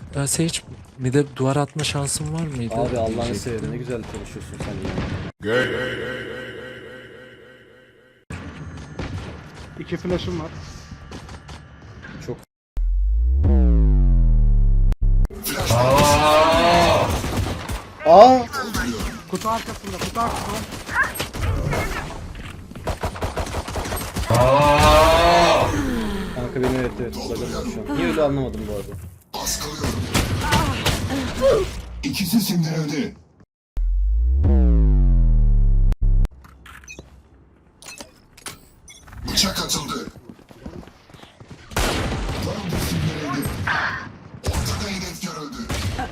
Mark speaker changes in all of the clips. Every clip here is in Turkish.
Speaker 1: Sage bir de duvar atma şansın var mıydı?
Speaker 2: Abi Allah'ını
Speaker 1: Diyecektim.
Speaker 2: seversen ne güzel konuşuyorsun sen ya.
Speaker 3: İki flash'ım var.
Speaker 2: Çok Aa!
Speaker 3: Kutu arkasında, kutu arkasında.
Speaker 2: Kanka benim evet bug'ım var şu an. Niye öyle anlamadım bu arada.
Speaker 4: İkisi sindirildi. Bıçak atıldı. Bomba sindirildi. Ortada hedef görüldü.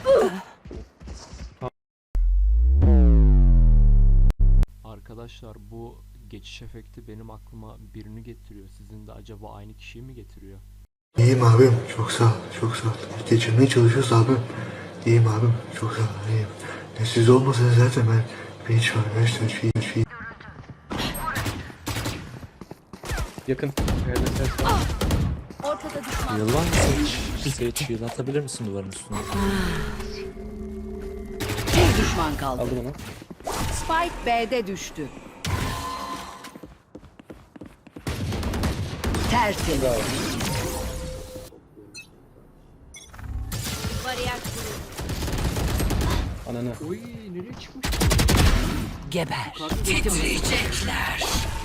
Speaker 5: Arkadaşlar bu geçiş efekti benim aklıma birini getiriyor. Sizin de acaba aynı kişiyi mi getiriyor?
Speaker 6: İyiyim abim, çok sağ ol, çok sağ ol. Geçirmeye çalışıyoruz abim. İyiyim abim, çok sağ ol, iyiyim. Siz olmasanız zaten ben hiç var, hiç.
Speaker 2: Yakın.
Speaker 7: Ortada düşman.
Speaker 1: Heal var mı Sage? Sage heal atabilir misin duvarın üstüne?
Speaker 7: Bir düşman kaldı.
Speaker 2: Aldım onu.
Speaker 7: Spike B'de düştü. Tertemiz.
Speaker 2: Bravo.
Speaker 7: Bariyer kuruldu.
Speaker 2: Ananı.
Speaker 5: Oy nereye çıkmış?
Speaker 7: Geber. Titriyecekler.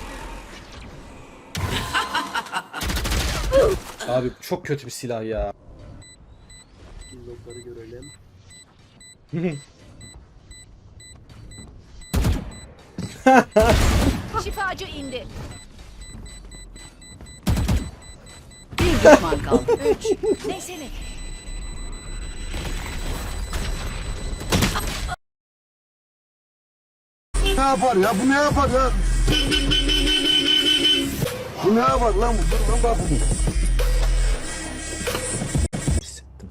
Speaker 2: Abi çok kötü bir silah ya.
Speaker 5: Logları görelim.
Speaker 7: Şifacı indi. Bir düşman kaldı. 3. Neyse ne?
Speaker 4: Ne yapar ya? Bu ne yapar ya? Bu ne yapar lan? Bu lan bak bu.
Speaker 1: Hissettim.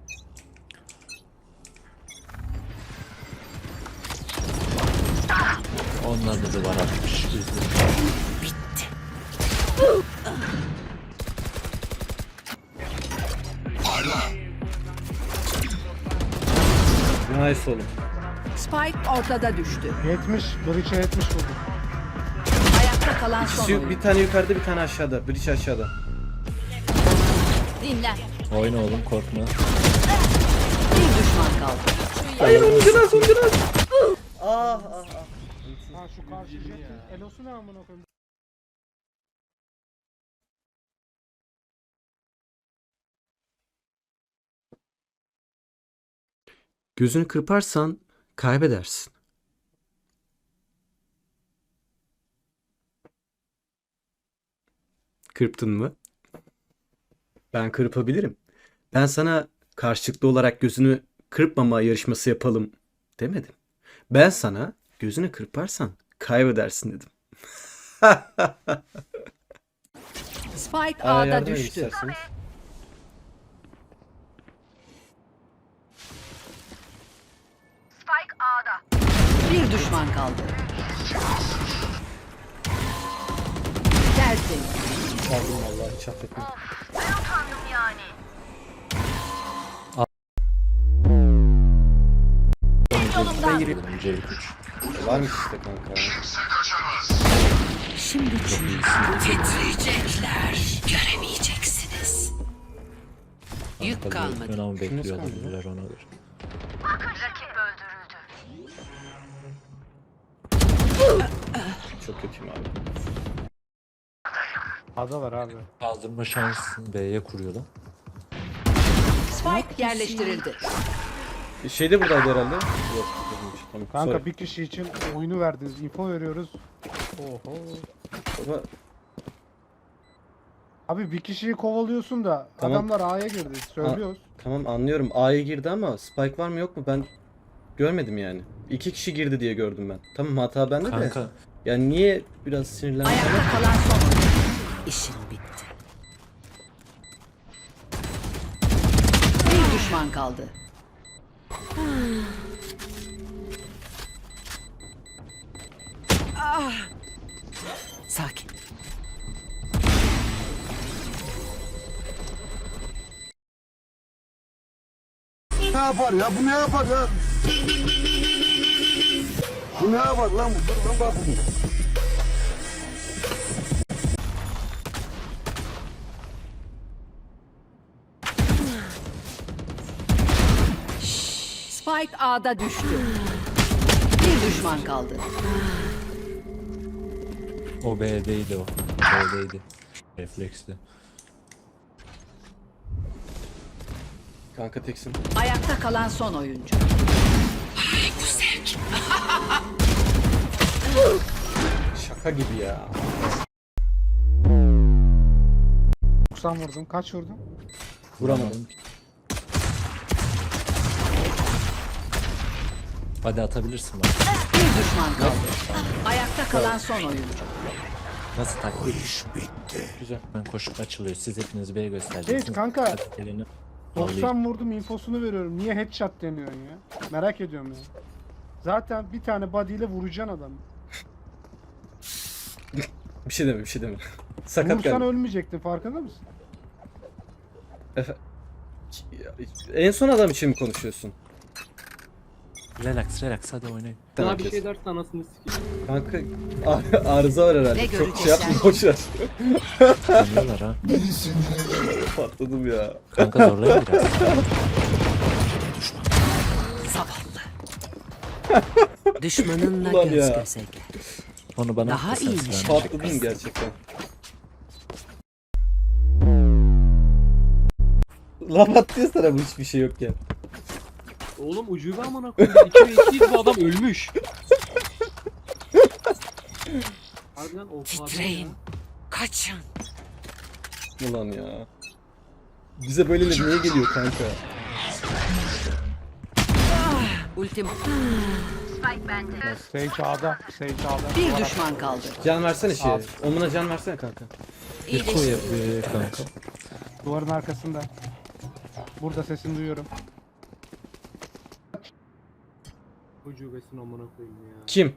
Speaker 1: Onlar da duvar atmış.
Speaker 4: Parla.
Speaker 2: Nice oğlum.
Speaker 7: Spike ortada düştü.
Speaker 3: 70, Breach'e 70 vurdu.
Speaker 7: Ayakta kalan son oyun.
Speaker 2: Bir tane yukarıda bir tane aşağıda. Bridge aşağıda.
Speaker 7: Dinlen.
Speaker 1: Oyna oğlum, korkma.
Speaker 7: Bir düşman kaldı.
Speaker 2: Hayır onu biraz onu biraz. Ah ah ah.
Speaker 3: Ha şu karşı jetin elosu ne amına koyayım?
Speaker 8: Gözünü kırparsan kaybedersin. Kırptın mı? Ben kırpabilirim. Ben sana karşılıklı olarak gözünü kırpmama yarışması yapalım demedim. Ben sana gözünü kırparsan kaybedersin dedim.
Speaker 7: Spike
Speaker 2: Aa,
Speaker 7: A'da
Speaker 2: yardım edin
Speaker 7: düştü.
Speaker 2: isterseniz.
Speaker 7: Bir düşman kaldı. Tertemiz.
Speaker 2: Aldım vallahi hiç affetmem.
Speaker 7: Yolumdan.
Speaker 1: Öncelik 3.
Speaker 2: Varmış işte kanka.
Speaker 7: Şimdi titriyecekler. Göremeyeceksiniz. Yük kalmadı.
Speaker 1: Ben onu bekliyor
Speaker 2: kaldı?
Speaker 1: olabilirler, ona göre.
Speaker 2: Çok kötüyüm abi.
Speaker 3: Adalar abi.
Speaker 1: Kaldırma şansını B'ye kuruyorlar.
Speaker 7: Spike yerleştirildi.
Speaker 2: Şeyde buradaydı herhalde. Yok. değilmiş. Tamam.
Speaker 3: Kanka
Speaker 2: Sorry.
Speaker 3: bir kişi için oyunu verdiniz, info veriyoruz. Oho.
Speaker 2: Baba,
Speaker 3: Abi bir kişiyi kovalıyorsun da
Speaker 2: Tamam.
Speaker 3: adamlar A'ya girdi. Söylüyoruz.
Speaker 2: tamam anlıyorum. A'ya girdi ama Spike var mı yok mu ben görmedim yani. 2 kişi girdi diye gördüm ben. Tamam hata bende de.
Speaker 1: Kanka
Speaker 2: Yani niye biraz sinirlendim?
Speaker 7: Ayakta kalan son oyun. İşin bitti. Bir düşman kaldı. Sakin.
Speaker 4: Ne yapar ya? Bu ne yapar ya? Bu ne yapar lan? Bu lan bak bu.
Speaker 7: Spike A'da düştü. Bir düşman kaldı.
Speaker 1: O B'deydi o. B'deydi. Refleksli.
Speaker 2: Kanka teksin.
Speaker 7: Ayakta kalan son oyuncu.
Speaker 2: Şaka gibi ya.
Speaker 3: 90 vurdum. Kaç vurdum?
Speaker 2: Vuramadım.
Speaker 1: Hadi atabilirsin bak.
Speaker 7: Bir düşman kaldı. Ayakta kalan son oyuncu.
Speaker 1: Nasıl taktik?
Speaker 2: Güzel.
Speaker 1: Ben koşup açılıyor. Siz hepiniz B'ye göstereceksiniz.
Speaker 3: Evet kanka.
Speaker 1: Elini
Speaker 3: 90 vurdum infosunu veriyorum. Niye headshot demiyorsun ya? Merak ediyorum ya. Zaten bir tane body ile vuracaksın adamı.
Speaker 2: Bir şey deme, bir şey deme. Sakat
Speaker 3: Vursan
Speaker 2: geldi.
Speaker 3: ölmeyecektin, farkında mısın?
Speaker 2: En son adam için mi konuşuyorsun?
Speaker 1: Relax relax hadi oynayın.
Speaker 5: Daha bir şey dersen anasını sikeyim.
Speaker 2: Kanka arıza var herhalde.
Speaker 7: Ne
Speaker 2: Çok şey yapma,
Speaker 7: görecekler?
Speaker 2: boşver.
Speaker 1: Tanıyorlar ha.
Speaker 4: Beni sinirlendirdi.
Speaker 2: Patladım ya.
Speaker 1: Kanka zorlayın biraz.
Speaker 7: Zavallı. Düşmanınla
Speaker 2: Ulan
Speaker 7: göz
Speaker 2: ya.
Speaker 7: göze gel.
Speaker 1: Onu bana
Speaker 7: Daha
Speaker 1: atırsanız
Speaker 7: iyiymiş.
Speaker 1: ben-
Speaker 2: Patladım gerçekten. Laf attı sana bu hiçbir şey yokken.
Speaker 5: Oğlum ucube amına koyayım. 2 ve 2'yiz bu adam ölmüş. Harbiden o
Speaker 7: Titreyin. Kaçın.
Speaker 2: Ulan ya. Bize böyle niye geliyor kanka?
Speaker 7: Ultim.
Speaker 3: Sage A'da. Sage A'da.
Speaker 7: Bir düşman kaldı.
Speaker 2: Can versene şey. Omuna can versene kanka.
Speaker 1: Bir koy yapıyor kanka.
Speaker 3: Duvarın arkasında. Burada sesini duyuyorum.
Speaker 5: ucubesini amına koyayım ya.
Speaker 2: Kim?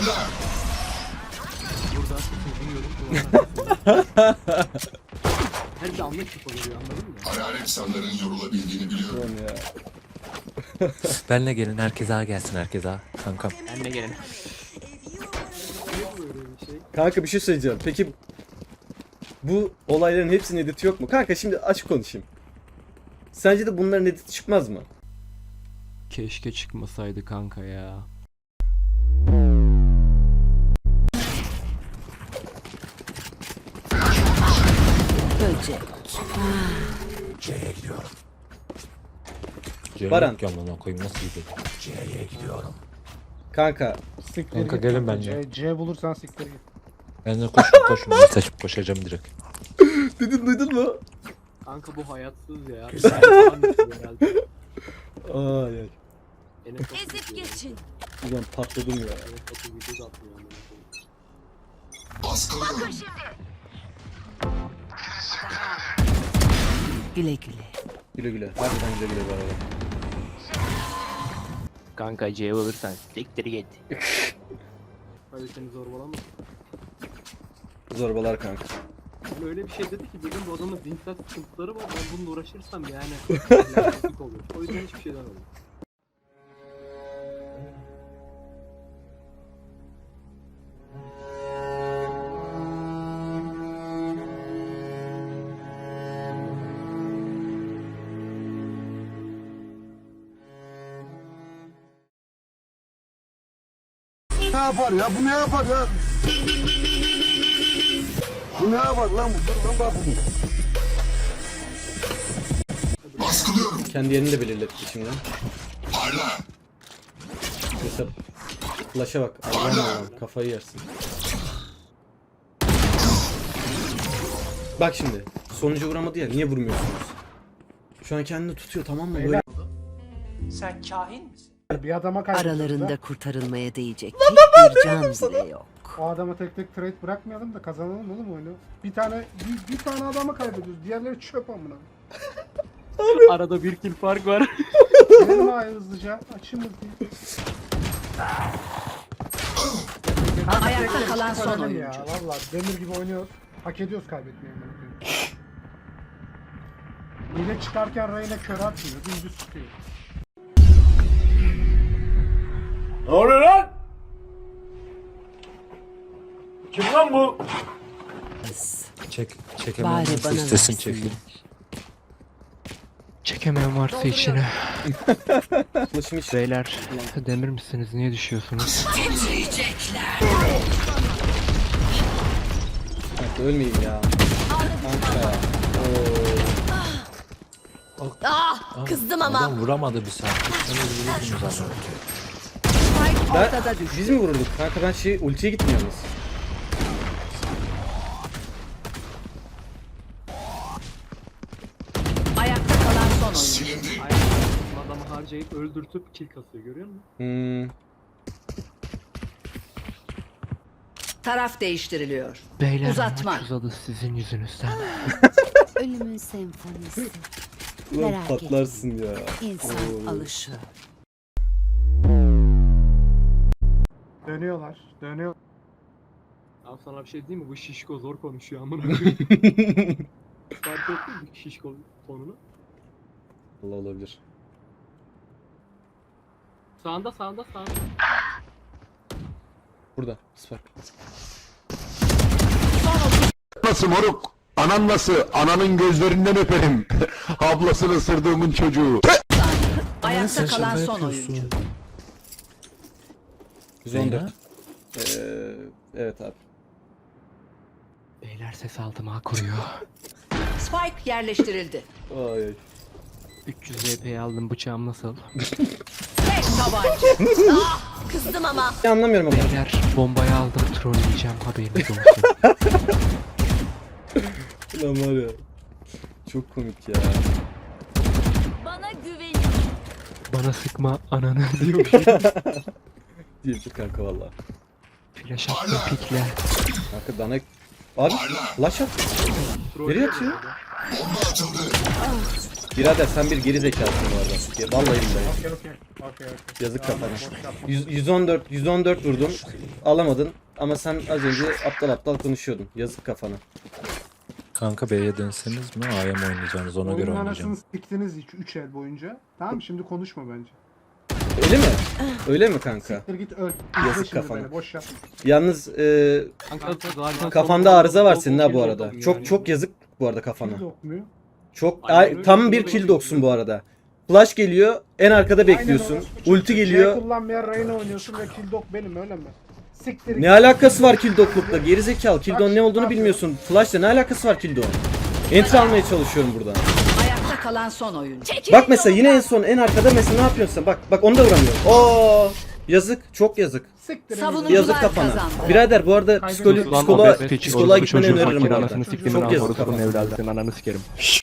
Speaker 5: Burada sızılıyorum. Duvarın arkasında. Her bir anlık tıp oluyor anladın mı?
Speaker 4: Hayalet sanların yorulabildiğini biliyorum.
Speaker 2: Ulan ya.
Speaker 1: Benle gelin herkes A gelsin herkes A. Kankam.
Speaker 5: Ben de gelin. Böyle bir şey.
Speaker 2: Kanka bir şey söyleyeceğim. Peki bu olayların hepsinin editi yok mu? Kanka şimdi açık konuşayım. Sence de bunların editi çıkmaz mı?
Speaker 5: Keşke çıkmasaydı kanka ya.
Speaker 7: Böcek.
Speaker 2: Baran.
Speaker 1: Yok ya amına koyayım nasıl gidiyor?
Speaker 2: Kanka
Speaker 3: Siktir
Speaker 1: Kanka
Speaker 3: git.
Speaker 1: gelin benimle.
Speaker 3: C bulursan siktir git.
Speaker 1: Ben de koşun ben saçıp koşacağım direkt.
Speaker 2: duydun mu?
Speaker 5: Kanka bu hayatsız ya. Güzel. Herhalde.
Speaker 2: Ay ay.
Speaker 5: Ezip geçin.
Speaker 2: Ulan patladım ya.
Speaker 5: Video da atmıyor amına koyayım.
Speaker 4: Baskılıyorum.
Speaker 7: Güle güle.
Speaker 2: Güle güle. Harbiden güle güle bu arada.
Speaker 5: Kanka C olursan siktir git. Hadi seni zorbalama.
Speaker 2: Zorbalar kanka.
Speaker 5: Yani öyle bir şey dedi ki dedim bu adamın zihinsel sıkıntıları var ben bununla uğraşırsam yani lanet olur. O yüzden hiçbir şey demedim.
Speaker 4: Ne yapar ya? Bu ne yapar ya? Bu ne yapar lan? Bu lan bak bu. Baskılıyorum.
Speaker 2: Kendi yerini de belirletti şimdi.
Speaker 4: Parla.
Speaker 2: Mesela flash'a bak. Allah'ım Allah'ım kafayı yersin. Bak şimdi. Sonucu vuramadı ya. Niye vurmuyorsunuz? Şu an kendini tutuyor tamam mı? Böyle
Speaker 9: Sen kahin misin?
Speaker 3: Bir adama kaybediyoruz
Speaker 7: Aralarında
Speaker 3: da.
Speaker 7: kurtarılmaya değecek tek bir can bile yok.
Speaker 3: O adama tek tek trade bırakmayalım da kazanalım oğlum oyunu. Bir tane adama kaybediyoruz. Diğerleri çöp amına.
Speaker 5: Arada bir kill fark var.
Speaker 3: Gelin ay hızlıca. Açın bakayım.
Speaker 7: Ayakta kalan son
Speaker 3: Önemli
Speaker 7: oyuncu.
Speaker 3: ya. Valla demir gibi oynuyoruz. Hak ediyoruz kaybetmeyi. Hile çıkarken Reyna kör atmıyor. Dümdüz tutuyor.
Speaker 4: Ne oluyor lan? Kim lan bu?
Speaker 1: Çekemeyen
Speaker 7: Bari
Speaker 1: varsa
Speaker 7: bana
Speaker 1: istesin
Speaker 7: versinler.
Speaker 1: çekeyim.
Speaker 5: Çekemeyen varsa içine.
Speaker 2: Ulaşım hiç.
Speaker 5: Beyler demir misiniz? Niye düşüyorsunuz?
Speaker 2: Kanka ölmeyeyim ya. Kanka. Oo.
Speaker 7: Kızdım ama.
Speaker 1: Adam vuramadı bir saat. Sen öldürürdünüz adamı.
Speaker 7: Spike
Speaker 2: Ben,
Speaker 7: ortada düştü.
Speaker 2: biz mi vururduk? Kanka ben ultiye gitmiyoruz.
Speaker 7: Ayakta kalan son oyuncu.
Speaker 4: Silindi.
Speaker 5: Adamı harcayıp öldürtüp kill kasıyor, görüyor musun?
Speaker 2: Hmm.
Speaker 7: Taraf değiştiriliyor.
Speaker 5: Beyler
Speaker 7: Uzatma.
Speaker 5: maç uzadı sizin yüzünüzden.
Speaker 10: Ölümün senfonisi.
Speaker 2: Ulan
Speaker 10: Merak
Speaker 2: patlarsın ya.
Speaker 10: İnsan
Speaker 2: Oo.
Speaker 10: alışır.
Speaker 3: Dönüyorlar. Dönüyor.
Speaker 5: Abi sana bir şey diyeyim mi? Bu şişko zor konuşuyor amına koyayım. Fark ettin mi şişko tonunu?
Speaker 2: Allah olabilir.
Speaker 5: Sağında.
Speaker 2: Burada. Spark.
Speaker 4: Nasıl moruk? Anan nasıl? Ananın gözlerinden öperim. Ablasını ısırdığımın çocuğu.
Speaker 7: Ayakta kalan son oyuncu.
Speaker 2: 114. Evet abi.
Speaker 5: Beyler ses aldım ha kuruyor.
Speaker 7: Spike yerleştirildi.
Speaker 2: Ay ay.
Speaker 5: 300 VP'yi aldım, bıçağım nasıl?
Speaker 7: Tek tabanca. Kızdım ama.
Speaker 2: Anlamıyorum ama.
Speaker 5: Beyler bombayı aldım, trolleyeceğim, haberiniz olsun.
Speaker 2: Lan var ya. Çok komik ya.
Speaker 10: Bana güvenin.
Speaker 5: Bana sıkma ananı diyormuş.
Speaker 2: Diyecek kanka valla.
Speaker 5: Flash attım pikle.
Speaker 2: Kanka bana... Abi flash at. Nereye atıyor?
Speaker 4: Bomba atıldı.
Speaker 2: Birader sen bir geri zekalısın bu arada. Vallahi billahi.
Speaker 3: Okey.
Speaker 2: Yazık kafana. 114 vurdum. Alamadın. Ama sen az önce aptal konuşuyordun. Yazık kafana.
Speaker 1: Kanka B'ye dönseniz mi? A'ya mı oynayacaksınız? Ona göre
Speaker 3: Oyunun
Speaker 1: oynayacağım.
Speaker 3: anasını siktiniz 3 el boyunca. Tamam mı? Şimdi konuşma bence.
Speaker 2: Öyle mi? Öyle mi kanka?
Speaker 3: Siktir git öl.
Speaker 2: Yazık
Speaker 3: İzle şimdi
Speaker 2: kafana.
Speaker 3: beni, boş yap.
Speaker 2: Yalnız kafanda arıza var senin ha bu arada. Çok yazık bu arada kafana.
Speaker 3: Kill okmuyor.
Speaker 2: Çok tam bir kill doksun bu arada. Flash geliyor, en arkada bekliyorsun.
Speaker 3: Aynen orası.
Speaker 2: Ulti geliyor.
Speaker 3: Şey kullanmayan Reyna oynuyorsun ve kill dok benim öyle mi? Siktir git.
Speaker 2: Ne alakası var kill doklukla? Geri zekalı. Kill dok'un ne olduğunu bilmiyorsun. Flash'la ne alakası var kill dok'un? Entry almaya çalışıyorum buradan.
Speaker 7: Ayakta kalan son oyuncu.
Speaker 2: Bak mesela yine en son en arkada mesela ne yapıyorsun sen? Bak onu da vuramıyor. Oo! Yazık, çok yazık.
Speaker 3: Siktir git.
Speaker 7: Savunucular
Speaker 2: Yazık kafana.
Speaker 7: kazandı.
Speaker 2: Birader bu arada psikoloğa gitmeni öneririm bu arada.
Speaker 5: Anasını siktimin
Speaker 2: Çok yazık
Speaker 5: orospu'nun
Speaker 2: kafana.
Speaker 5: evladı. Senin ananı sikerim.